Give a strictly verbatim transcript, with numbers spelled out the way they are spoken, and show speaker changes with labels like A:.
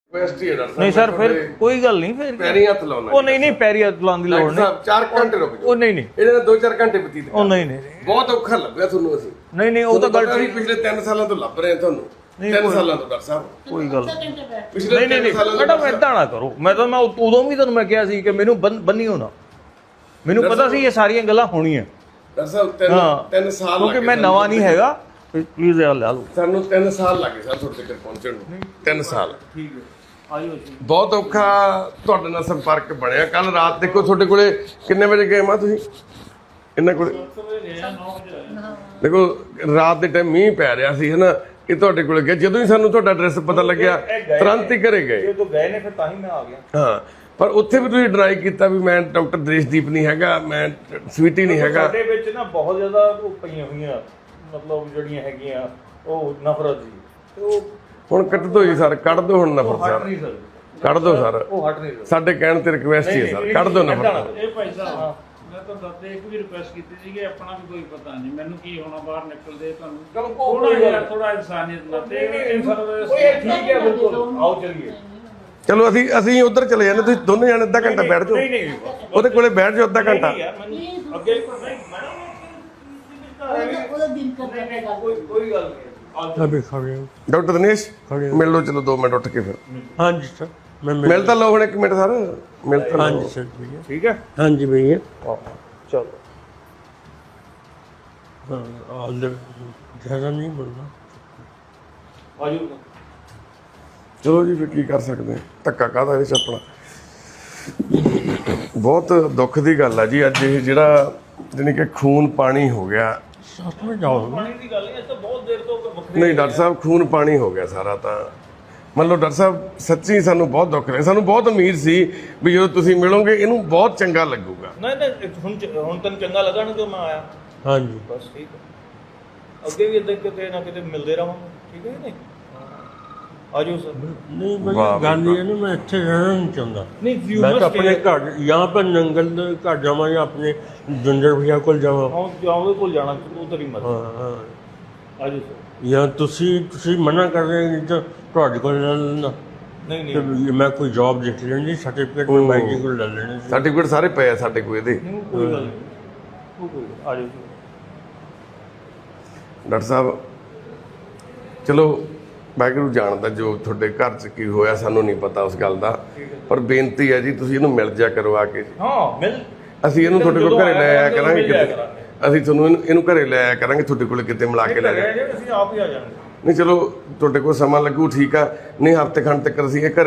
A: नहीं सर फिर कोई गल नहीं फिर
B: पैरी हथ लाउणा
A: ਉਹ ਨਹੀਂ ਨਹੀਂ ਪੈਰੀ ਹੱਥ ਲਾਉਣ ਦੀ ਲੋੜ ਨਹੀਂ
B: चार घंटे रुक जाओ
A: ਉਹ ਨਹੀਂ ਨਹੀਂ
B: ਇਹਦੇ ਨਾਲ दो चार घंटे ਬਤੀਤ
A: ਉਹ ਨਹੀਂ ਨਹੀਂ
B: ਬਹੁਤ ਔਖਾ ਲੱਭਿਆ ਤੁਹਾਨੂੰ ਅਸੀਂ
A: ਨਹੀਂ ਨਹੀਂ ਉਹ ਤਾਂ ਗੱਲ
B: ਠੀਕ ਪਿਛਲੇ ਤਿੰਨ ਸਾਲਾਂ ਤੋਂ ਲੱਭ ਰਹੇ ਤੁਹਾਨੂੰ ਤਿੰਨ ਸਾਲਾਂ ਤੋਂ ਡਾਕਟਰ ਸਾਹਿਬ
A: ਕੋਈ ਗੱਲ
B: ਪਿਛਲੇ
A: ਨਹੀਂ ਨਹੀਂ ਨਹੀਂ ਮੈਡਮ ਏਦਾਂ ਨਾ ਕਰੋ ਮੈਂ ਤਾਂ ਮੈਂ ਉਦੋਂ ਵੀ ਤੁਹਾਨੂੰ ਮੈਂ ਕਿਹਾ ਸੀ ਕਿ ਮੈਨੂੰ ਬੰਨੀ ਹੋਣਾ ਮੈਨੂੰ ਪਤਾ ਸੀ ਇਹ ਸਾਰੀਆਂ ਗੱਲਾਂ ਹੋਣੀਆਂ
B: ਡਾਕਟਰ ਸਾਹਿਬ ਤਿੰਨ ਤਿੰਨ ਸਾਲ
A: ਕਿਉਂਕਿ ਮੈਂ ਨਵਾਂ ਨਹੀਂ ਹੈਗਾ ਪਲੀਜ਼ ਇਹ ਲੈ ਲਓ
B: ਸਾਨੂੰ ਤਿੰਨ ਸਾਲ ਲੱਗੇ ਸਰ ਤੁਹਾਡੇ ਤੱਕ ਪਹੁੰਚਣ ਨੂੰ ਤਿੰਨ ਸਾਲ
A: ਠੀਕ ਹੈ ਆਇਓ ਜੀ
B: ਬਹੁਤ ਔਖਾ ਤੁਹਾਡੇ ਨਾਲ ਸੰਪਰਕ ਬਣਿਆ ਕੱਲ ਰਾਤ ਦੇਖੋ ਤੁਹਾਡੇ ਕੋਲੇ ਕਿੰਨੇ ਵਜੇ ਗਏ ਮਾ ਤੁਸੀਂ ਇਹਨਾਂ ਕੋਲੇ ਦੇਖੋ ਰਾਤ ਦੇ ਟਾਈਮ ਮੀਂਹ ਪੈ ਰਿਹਾ ਸੀ ਹਨਾ ਇਹ ਤੁਹਾਡੇ ਕੋਲੇ ਗਿਆ ਜਦੋਂ ਹੀ ਸਾਨੂੰ ਤੁਹਾਡਾ ਐਡਰੈਸ ਪਤਾ ਲੱਗਿਆ ਤੁਰੰਤ ਹੀ ਘਰੇ ਗਏ
A: ਜਦੋਂ ਗਏ ਨੇ ਫਿਰ ਤਾਂ ਹੀ ਮੈਂ ਆ ਗਿਆ
B: ਹਾਂ ਪਰ ਉੱਥੇ ਵੀ ਤੁਸੀਂ ਡਰਾਈ ਕੀਤਾ ਵੀ ਮੈਂ ਡਾਕਟਰ ਦ੍ਰਿਸ਼ਦੀਪ ਨਹੀਂ ਹੈਗਾ ਮੈਂ ਸਵੀਟੀ ਨਹੀਂ ਹੈਗਾ
A: ਸਾਡੇ ਵਿੱਚ ਨਾ ਬਹੁਤ ਜ਼ਿਆਦਾ ਉਹ ਪਈਆਂ ਹੋਈਆਂ ਮਤਲਬ ਜਿਹੜੀਆਂ ਹੈਗੀਆਂ ਉਹ ਨਫ਼ਰਤ ਜੀ ਤੇ ਉਹ
B: ਹੁਣ ਕੱਟ ਦੋ ਜੀ ਸਰ ਕੱਢ ਦੋ ਹੁਣ ਨਫ਼ਰਤ
A: ਹਟ
B: ਸਰ
A: ਨਹੀਂ ਸਰ
B: ਕੱਢ ਦੋ ਸਰ
A: ਉਹ ਹਟ ਨਹੀਂ ਸਰ
B: ਸਾਡੇ ਕਹਿਣ ਤੇ ਰਿਕਵੈਸਟ ਹੀ ਹੈ ਸਰ ਕੱਢ ਦੋ ਨਫ਼ਰਤ
C: ਇਹ ਭਾਈ ਸਾਹਿਬ ਮੈਂ ਤਾਂ ਦੱਸਦੇ ਇੱਕ ਵੀ ਰਿਕੁਐਸਟ ਕੀਤੀ ਸੀ ਕਿ ਆਪਣਾ ਵੀ ਕੋਈ ਪਤਾ ਨਹੀਂ ਮੈਨੂੰ ਕੀ ਹੋਣਾ ਬਾਹਰ ਨਿਕਲਦੇ ਤੁਹਾਨੂੰ ਥੋੜਾ ਜਿਹਾ ਥੋੜਾ ਇਨਸਾਨੀਅਤ ਨਾਲ ਤੇ
A: ਉਹ ਠੀਕ ਹੈ ਬਿਲਕੁਲ ਆਓ ਚਲੀਏ
B: ਚਲੋ ਅਸੀਂ ਅਸੀਂ ਉਧਰ ਚਲੇ ਜਾਂਦੇ ਤੁਸੀਂ ਦੋਨੇ ਜਾਣੇ ਅੱਧਾ ਘੰਟਾ ਬੈਠ ਜਾਓ
A: ਨਹੀਂ ਨਹੀਂ
B: ਉਹਦੇ ਕੋਲੇ ਬੈਠ ਜਾਓ ਅੱਧਾ ਘੰਟਾ
A: ਯਾਰ ਮੈਨੂੰ ਅੱਗੇ ਨਹੀਂ
D: ਉਹਦਾ ਦਿਨ ਕਰਦਾ ਹੈਗਾ
A: ਕੋਈ ਕੋਈ ਗੱਲ ਨਹੀਂ
E: अभी खा गया
B: ਡਾਕਟਰ ਦਿਨੇਸ਼ ਮਿਲ ਲਓ ਚਲੋ ਦੋ ਮਿੰਟ ਉੱਠ ਕੇ ਫਿਰ
E: हाँ जी सर मैं मिल
B: ਮਿਲ ਤਾਂ ਲਓ ਹੁਣ ਇੱਕ ਮਿੰਟ ਸਰ ਮਿਲ ਤਾਂ
E: हाँ
B: ਲਓ
E: जी सर भैया
A: ਠੀਕ ਹੈ
E: हाँ जी भैया
A: ਚਲੋ
E: हाँ, ऑल द ज़्यादा नहीं बोलना
A: ਆਜੋ
B: ਚਲੋ ਜੀ ਫਿਰ ਕੀ ਕਰ ਸਕਦੇ ਹਾਂ ਧੱਕਾ ਕਾਹਦਾ ਇਹਦੇ ਚ ਆਪਣਾ ਬਹੁਤ ਦੁੱਖ ਦੀ ਗੱਲ ਆ ਜੀ ਅੱਜ ਇਹ ਜਿਹੜਾ ਜਾਣੀ ਕਿ ਖੂਨ ਪਾਣੀ ਹੋ ਗਿਆ
E: साथ में जाओ
A: ਪਾਣੀ ਦੀ ਗੱਲ ਨਹੀਂ ਇਹ ਤਾਂ ਬਹੁਤ ਦੇਰ ਤੋਂ ਵੱਖਰੀ
B: ਨਹੀਂ ਡਾਕਟਰ ਸਾਹਿਬ ਖੂਨ ਪਾਣੀ ਹੋ ਗਿਆ ਸਾਰਾ ਤਾਂ ਮੰਨ ਲਓ ਡਾਕਟਰ ਸਾਹਿਬ ਸੱਚੀ ਸਾਨੂੰ ਬਹੁਤ ਦੁੱਖ ਰਿਹਾ ਸਾਨੂੰ ਬਹੁਤ ਉਮੀਦ ਸੀ ਵੀ ਜਦੋਂ ਤੁਸੀਂ ਮਿਲੋਗੇ ਇਹਨੂੰ ਬਹੁਤ ਚੰਗਾ ਲੱਗੂਗਾ
A: ਨਹੀਂ ਨਹੀਂ ਹੁਣ ਹੁਣ ਤੈਨੂੰ ਚੰਗਾ ਲੱਗਾ ਨਾ ਕਿ ਮੈਂ ਆਇਆ
E: हाँ जी
A: ਬਸ ਠੀਕ ਹੈ ਅੱਗੇ ਵੀ ਇਦਾਂ ਕਿਤੇ ਨਾ ਕਿਤੇ ਮਿਲਦੇ ਰਹਾਂਗੇ ਠੀਕ ਹੈ ਨਹੀਂ ਆਜੋ ਸਰ
E: नहीं
B: वाह
E: भैया
B: भाई,
E: गांधी है ना मैं अच्छे रहना नहीं चाहता
A: नहीं you
E: मैं तो
A: must
E: अपने
A: stay-
E: घर यहाँ पर नंगल घर जावा या अपने जिंदर भैया को जावा
A: ਹਾਂ ਜਾਓਗੇ ਕੋਲ ਜਾਣਾ ਉਧਰ ਹੀ ਮਤ
E: हाँ हाँ
A: ਆਜੋ ਸਰ
E: या तुसी तुसी मना कर रहे हैं तो ਤੁਹਾਡੇ ਕੋਲ ਲੈ ਲੈਣਾ
A: ਨਹੀਂ
E: ਤੇ
A: ਨਹੀਂ
E: ਮੈਂ ਕੋਈ ਜੌਬ ਦੇਖ ਲੈਣੀ ਸਰਟੀਫਿਕੇਟ ਮੈਂ ਬਾਈ ਜੀ ਕੋਲ ਲੈ ਲੈਣੇ ਸੀ
B: ਸਰਟੀਫਿਕੇਟ ਸਾਰੇ ਪਏ ਆ ਸਾਡੇ ਕੋਲ ਇਹਦੇ
A: ਨਹੀਂ, ਕੋਈ ਗੱਲ ਨਹੀਂ ਉਹ ਕੋਈ ਆਜੋ ਸਰ
B: ਡਾਕਟਰ ਸਾਹਿਬ ਚਲੋ ਵਾਹਿਗੁਰੂ ਜਾਣਦਾ ਜੋ ਤੁਹਾਡੇ ਘਰ 'ਚ ਕੀ ਹੋਇਆ ਸਾਨੂੰ ਨਹੀਂ ਪਤਾ ਉਸ ਗੱਲ ਦਾ ਪਰ ਬੇਨਤੀ ਹੈ ਜੀ ਤੁਸੀਂ ਇਹਨੂੰ ਮਿਲ ਜਾ ਕਰੋ ਆ ਕੇ ਜੀ
A: ਹਾਂ ਮਿਲ
B: ਅਸੀਂ ਇਹਨੂੰ ਤੁਹਾਡੇ ਕੋਲ ਘਰੇ ਲੈ ਆਇਆ ਕਰਾਂਗੇ
A: ਮਿਲ ਜਾਇਆ
B: ਕਿਤੇ
A: ਕਰਾਂਗੇ।
B: ਅਸੀਂ ਤੁਹਾਨੂੰ ਇਹਨੂੰ ਇਹਨੂੰ ਘਰੇ ਲੈ ਆਇਆ ਕਰਾਂਗੇ ਤੁਹਾਡੇ ਕੋਲ ਕਿਤੇ ਮਿਲਾ ਕੇ ਲੈ ਜਾਵਾਂਗੇ
A: ਅਸੀਂ ਆਪ ਹੀ ਆ ਜਾਣਗੇ
B: ਨਹੀਂ ਚਲੋ ਤੁਹਾਡੇ ਕੋਲ ਸਮਾਂ ਲੱਗੂ ਠੀਕ ਆ ਨਹੀਂ ਹਫ਼ਤੇ ਖੰਡ ਤੱਕ ਅਸੀਂ ਇਹ ਘਰੇ